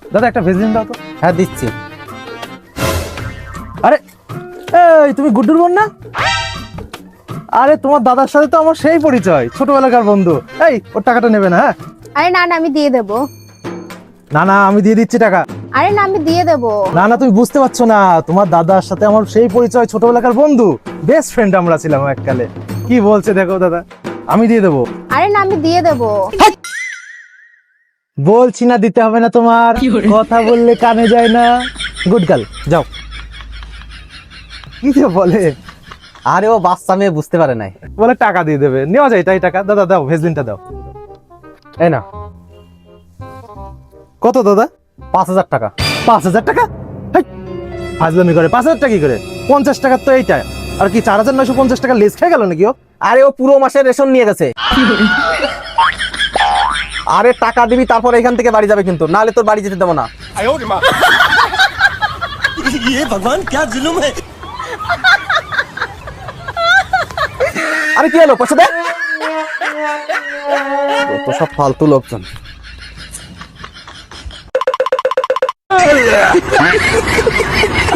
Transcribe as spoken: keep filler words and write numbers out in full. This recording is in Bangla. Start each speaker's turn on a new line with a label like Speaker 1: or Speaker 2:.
Speaker 1: দাদা একটা ভেজলিন দাও তো।
Speaker 2: হ্যাঁ দিচ্ছি।
Speaker 1: আরে এই তুমি গুড্ডুর বোন না? আরে তোমার দাদার সাথে তো আমার সেই পরিচয়, ছোটবেলাকার বন্ধু। এই ওর টাকাটা নেবে না? হ্যাঁ
Speaker 3: আরে না না, আমি দিয়ে দেবো।
Speaker 1: না না, আমি দিয়ে দিচ্ছি টাকা।
Speaker 3: আরে না, আমি দিয়ে দেবো।
Speaker 1: না না, তুমি বুঝতে পারছো না, তোমার দাদার সাথে আমার সেই পরিচয়, ছোটবেলাকার বন্ধু, বেস্ট ফ্রেন্ড আমরা ছিলাম এককালে। কি বলছে দেখো দাদা, আমি দিয়ে দেবো।
Speaker 3: আরে না, আমি দিয়ে দেবো।
Speaker 1: বলছি না দিতে হবে না তোমার, কথা বললে কানে যায় না। গুড গার্ল, যাও। কি যে বলে,
Speaker 2: আরে ও বাচ্চা মেয়ে বুঝতে পারে নাই।
Speaker 1: বলে টাকা দিয়ে দেবে, নেওয়া যায় তাই টাকা। দাদা দাও, ভেজলিনটা দাও।
Speaker 2: এই না,
Speaker 1: কত দাদা?
Speaker 2: পাঁচ হাজার টাকা।
Speaker 1: পাঁচ হাজার টাকা? হেই, ফাজলামি করে। পাঁচ হাজার টাকা কি করে? পঞ্চাশ টাকার তো এইটা, আর কি চার হাজার নয়শো পঞ্চাশ টাকা লেস খেয়ে গেল নাকি ও?
Speaker 2: আরে ও পুরো মাসের রেশন নিয়ে গেছে। আরে টাকা দিবি তারপর এখান থেকে বাড়ি যাবে, কিন্তু নাহলে তোর বাড়ি যেতে দেবো না।
Speaker 4: ये भगवान क्या जुल्म है।
Speaker 2: আরে কি হলো, পয়সা দে। তো সব ফালতু লোকজন।